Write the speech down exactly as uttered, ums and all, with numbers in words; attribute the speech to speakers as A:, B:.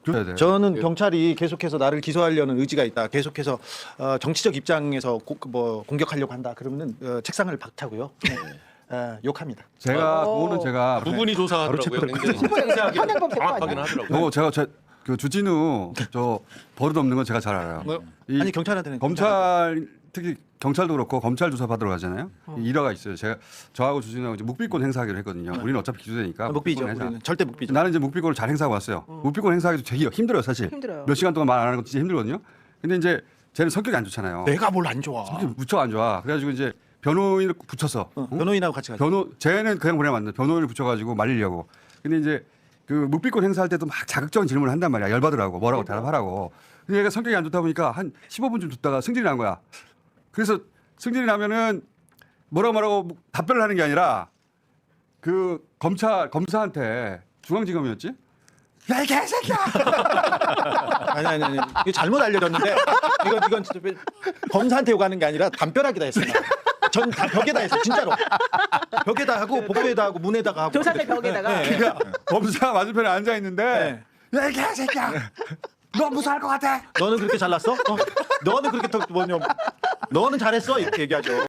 A: 그,
B: 저는 경찰이 계속해서 나를 기소하려는 의지가 있다. 계속해서 어, 정치적 입장에서 고, 뭐 공격하려고 한다. 그러면은 어, 책상을 박차고요. 네. 어, 욕합니다.
A: 제가 그거는 제가
C: 두 분이 조사하더라고요. 굉장히 생생하게
D: 현행범 대표
C: 정확하긴
D: 아니야?
C: 하더라고요.
A: 뭐 제가 제, 그 주진우 저 버릇 없는 건 제가 잘 알아요.
B: 뭐,
A: 이
B: 아니 경찰한테는
A: 검찰 특히 경찰도 그렇고 검찰 조사 받으러 가잖아요. 이 일화가 있어요. 제가 저하고 주진우하고 이제 묵비권 행사하기로 했거든요. 우리는 어차피 기소되니까
B: 아, 묵비죠.
A: 묵비권 행사.
B: 우리는 절대 묵비죠.
A: 나는 이제 묵비권을 잘 행사하고 왔어요. 묵비권 행사하기도 되게 힘들어요, 사실.
D: 힘들어요.
A: 몇 시간 동안 말 안 하는 것도 진짜 힘들거든요. 근데 이제 쟤는 성격이 안 좋잖아요.
B: 내가 뭘 안 좋아.
A: 성격이 무척 안 좋아. 그래가지고 이제 변호인을 붙였어.
B: 어,
A: 응?
B: 변호인하고 같이 가죠.
A: 변호 쟤는 그냥 보내면 안 돼. 변호인을 붙여가지고 말리려고. 근데 이제 그 묵비권 행사할 때도 막 자극적인 질문을 한단 말이야. 열받으라고 뭐라고 대답하라고. 근데 얘가 성격이 안 좋다 보니까 한 십오 분쯤 듣다가 승질이 난 거야. 그래서 승질이 나면은 뭐라고 뭐라고 답변을 하는 게 아니라 그 검찰 검사한테 중앙지검이었지? 야 이 개새끼야!
B: 아니 아니 아니. 이거 잘못 알려졌는데 이건 이건 진짜 검사한테 욕하는 게 아니라 담벼락에다 했어요. 전 다 벽에다 했어 진짜로. 벽에다 하고 복도에다 하고 문에다가 하고.
D: 조사대 벽에다가.
B: 네.
A: 그러니까 검사 맞은편에 앉아 있는데 야 이 개새끼야! 너 무사할 것 같아?
B: 너는 그렇게 잘났어? 어? 너는 그렇게 더 뭐냐? 너는 잘했어 이렇게 얘기하죠.